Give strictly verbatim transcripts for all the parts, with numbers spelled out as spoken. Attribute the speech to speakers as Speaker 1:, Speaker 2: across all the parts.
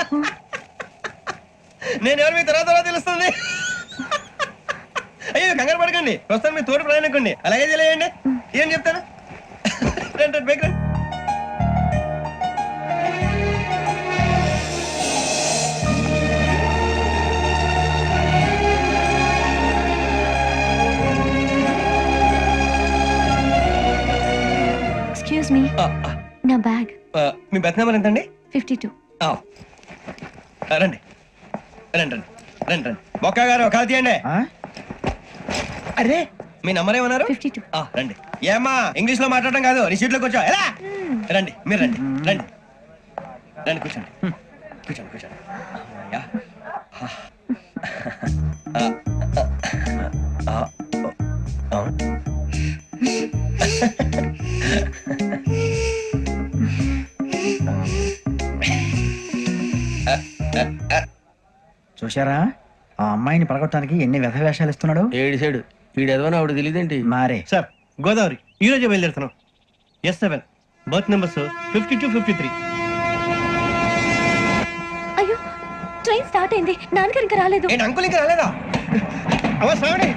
Speaker 1: నేను ఎవరు మీ తర్వాత తర్వాత తెలుస్తుంది. అయ్యో కంగారు పడకండి, ప్రస్తుతం మీ తోటి ప్రయాణకండి, అలాగే తెలియండి. ఏం చెప్తాను రండి రండి బైక్ రండి.
Speaker 2: ఎక్స్క్యూజ్ మీ, నా బ్యాగ్.
Speaker 1: మీ బెత్ నెంబర్ ఎంతండి?
Speaker 2: Fifty two.
Speaker 1: రండి రండి రండి రండి రండి బొక్క గారు కాల్ తీయండి. అరే మీ నంబర్ ఏమన్నారు?
Speaker 2: Fifty two.
Speaker 1: రండి. ఏమ్మా ఇంగ్లీష్ లో మాట్లాడడం కాదు, నీ సీట్లో కూర్చో. ఎలా రండి, మీరు రండి రండి రండి కూర్చోండి కూర్చోండి కూర్చోండి. అమ్మయ్యా. ఆ, ఆ, ఆ, ఆ.
Speaker 3: చూశారా ఆ అమ్మాయిని పడగొట్టడానికి ఎన్ని వ్యధ వేషాలు ఇస్తున్నాడు.
Speaker 4: ఏడు సైడు వీడు ఎదవని ఆవిడ తెలియదేంటి?
Speaker 3: మారే
Speaker 1: సార్ గోదావరి ఈ రోజే బయలుదేరుతున్నాం. S seven berth numbers fifty two fifty three.
Speaker 2: అయ్యో ట్రైన్ స్టార్ట్ అయింది, నాన్నగారు ఇంకా రాలేదు.
Speaker 1: ఏంటి అంకుల్ ఇంకా రాలేదా? అవసరం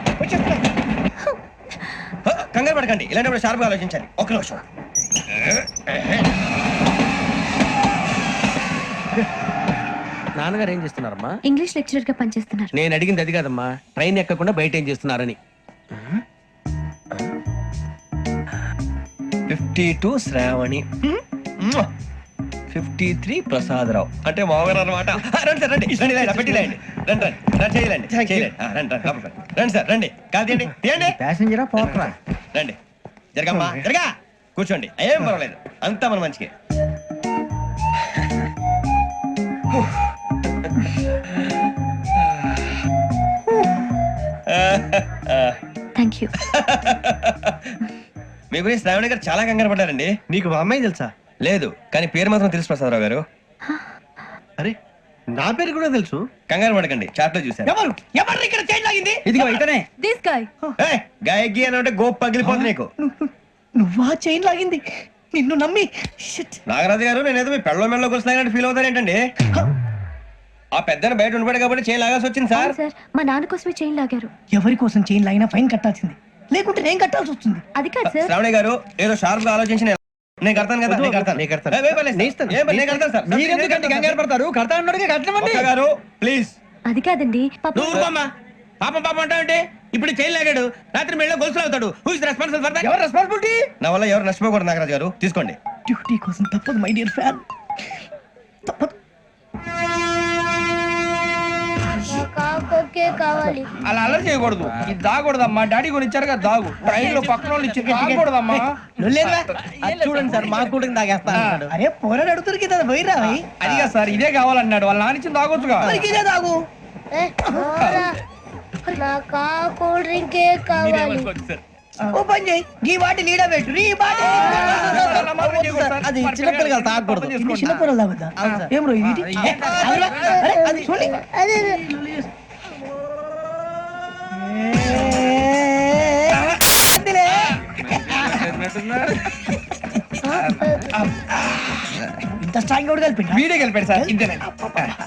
Speaker 1: కంగారు పడకండి, ఇలాంటప్పుడు షార్ప్గా ఆలోచించాలి. ఒక నిమిషం.
Speaker 4: నాన్నగారు ఏం చేస్తున్నారమ్మా?
Speaker 2: ఇంగ్లీష్ లెక్చరర్ గా పనిచేస్తున్నారు.
Speaker 4: నేను అడిగింది అది కాదమ్మా, ట్రైన్ ఎక్కకుండా బయట ఏం చేస్తున్నారని.
Speaker 1: Fifty two Sravani, fifty three Prasadarao అంటే మామగారు అనమాట. రండి సార్ రండి రండి రండి పెట్టి రండి రండి రండి రండి చేయలేండి చేయలేండి రండి రండి లోపలికి రండి. రండి సార్ రండి కాదు తీయండి తీయండి.
Speaker 3: ప్యాసింజరా పోట్రా.
Speaker 1: రండి జరగమ్మా జరగా కూర్చోండి, ఏం పర్వాలేదు, అంతా మన మంచికి.
Speaker 2: Thank you.
Speaker 1: మీ గురించి శ్రావణి గారు చాలా కంగారు పడ్డారండి.
Speaker 5: నీకు మా అమ్మాయి తెలుసా?
Speaker 1: లేదు, కానీ పేరు మాత్రం తెలుసు ప్రసాదరావు గారు.
Speaker 5: అరే నా పేరు కూడా తెలుసు.
Speaker 1: కంగారు పడకండి, చాట్ లో చూసాను.
Speaker 3: ఎవరు ఎవరు ఇక్కడ చైన్ లాగింది? ఇదిగో ఇతనే.
Speaker 2: This guy.
Speaker 1: గాయకి అని అంటే గోప్ పగిలిపోతుంది నీకు.
Speaker 3: నువ్వా చైన్ లాగింది? నిన్ను నమ్మి.
Speaker 1: నాగరాజు గారు నేనేదో మీ పెళ్ళ మెళ్ళలో కూర్చున్నాయంటే ఫీల్ అవుతారు ఏంటండి? ఆ పెద్దని బయట ఉండిపోయాడు కాబట్టి చైన్ లాగాల్సి వచ్చింది సార్.
Speaker 2: సార్ మా నాన్న కోసమే చైన్ లాగారు.
Speaker 3: ఎవరి కోసం చైన్ లాగినా ఫైన్ కట్టాల్సింది, లేకుంటే నేను కట్టాల్సి వస్తుంది.
Speaker 2: అది కాదు సార్.
Speaker 1: శ్రావణి గారు ఏదో షార్ప్ గా ఆలోచించి నేను- నేను కడతాను కదా, నేను కడతాను.
Speaker 5: నేను కడతాను.
Speaker 1: ఏ, ఏ పర్లేదు,
Speaker 5: నేను ఇస్తాను.
Speaker 1: ఏ పర్లేదు, నేను కడతాను సార్.
Speaker 3: మీరెందుకంటే కంగారు పడతారు? కడతా అన్నాడుగా కట్టమండి.
Speaker 1: ఒక్క గారు ప్లీజ్.
Speaker 2: అది కాదండి పాప.
Speaker 4: నువ్వు ఊరుకోమ్మా. పాపం పాపం అంటావంటే ఇప్పుడు చైన్ లాగాడు, రాత్రి మెళ్ళలో గొలుసులు అవుతాడు. Who is responsible for that?
Speaker 3: ఎవరు రెస్పాన్సిబిలిటీ?
Speaker 1: నా వల్ల ఎవరు నష్టపోకూడదు నాగరాజు గారు, తీసుకోండి.
Speaker 3: డ్యూటీ కోసం తప్పదు మై డియర్ ఫ్యాన్, తప్పదు.
Speaker 6: కావాలి
Speaker 7: అలా అలర్ చేయకూడదు, ఇది దాగకూడదమ్మా. డాడీ కొని ఇచ్చారు కదా దాగు, ట్రైన్ లో పక్కన వాళ్ళు ఇచ్చి దాగకూడదమ్మా.
Speaker 3: చూడండి సార్, మా కూడా తాగేస్తా. అరే పోరాడు అడుగుతారు కదా, పోయిరా.
Speaker 7: అదిగా సార్, ఇదే కావాలన్నాడు. వాళ్ళ నాన్న ఇచ్చింది తాగొచ్చుగా.
Speaker 3: ఇదే తాగు.
Speaker 6: నాకు కూల్ డ్రింక్ కావాలి.
Speaker 3: ఓ పని చేయి, ఈ బాటి లీడ పెట్టు. ఈ బాటి అది చిన్నపిల్లలు తాగకూడదు. చిన్నపిల్లలు తాగుతా. ఏం రో ఇది? అది చూడండి.
Speaker 6: అదే
Speaker 3: ఇంత స్ట్రాంగ్ కూడా కలిపి
Speaker 7: వీడియో కలిపాడు సార్, ఇంతేనండి.